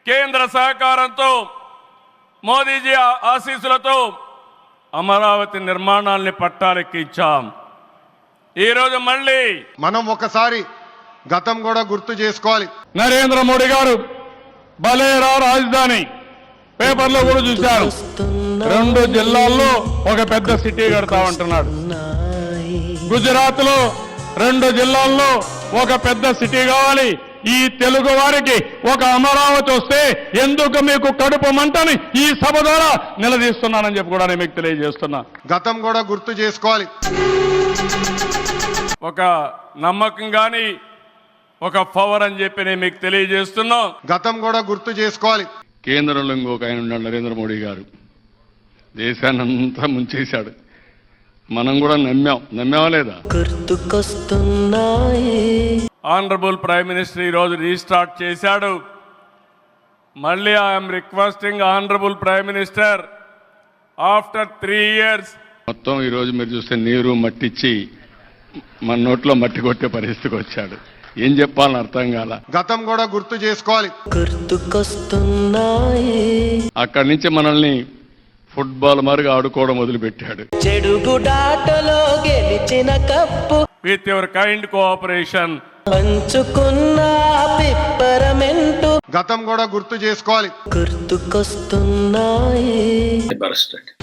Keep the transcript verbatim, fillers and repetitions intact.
కేంద్ర సహకారంతో మోదీజీ ఆశీస్సులతో అమరావతి నిర్మాణాల్ని పట్టాలెక్కించాం. ఈరోజు మళ్ళీ మనం ఒకసారి గతం కూడా గుర్తు చేసుకోవాలి. నరేంద్ర మోడీ గారు బలేరా రాజధాని పేపర్లో కూడా చూశారు. రెండు జిల్లాల్లో ఒక పెద్ద సిటీ కడతా ఉంటున్నాడు. గుజరాత్ లో రెండు జిల్లాల్లో ఒక పెద్ద సిటీ కావాలి. ఈ తెలుగు వారికి ఒక అమరావతి వస్తే ఎందుకు మీకు కడుపు మంటని ఈ సభ ద్వారా నిలదీస్తున్నానని చెప్పి కూడా నేను మీకు తెలియజేస్తున్నా. గతం కూడా గుర్తు చేసుకోవాలి. ఒక నమ్మకం కానీ ఒక పవర్ అని చెప్పి నేను మీకు తెలియజేస్తున్నా. గతం కూడా గుర్తు చేసుకోవాలి. కేంద్రంలో ఇంకొక ఆయన ఉన్నాడు నరేంద్ర మోడీ గారు. దేశాన్ని అంతా ముంచేశాడు. మనం కూడా నమ్మాం. నమ్మావా లేదా? ఆనరబుల్ ప్రైమ్ మినిస్టర్ ఈరోజు రీస్టార్ట్ చేశాడు. మళ్ళీ I'm requesting honourable prime minister after three years మొత్తం ఈరోజు మీరు చూస్తే నీరు మట్టిచ్చి మన నోట్లో మట్టి కొట్టే పరిస్థితికి వచ్చాడు. ఏం చెప్పాలని అర్థం కాల. గతం కూడా గుర్తు చేసుకోవాలి. అక్కడి నుంచి మనల్ని ఫుట్బాల్ మరుగు ఆడుకోవడం మొదలుపెట్టాడు. చెడుగుడాటలో గెలిచిన cup with your kind cooperation పంచుకున్న పిప్పరమెంటు గతం కూడా గుర్తు చేసుకోవాలి. గుర్తుకొస్తున్నాయి. Barrister.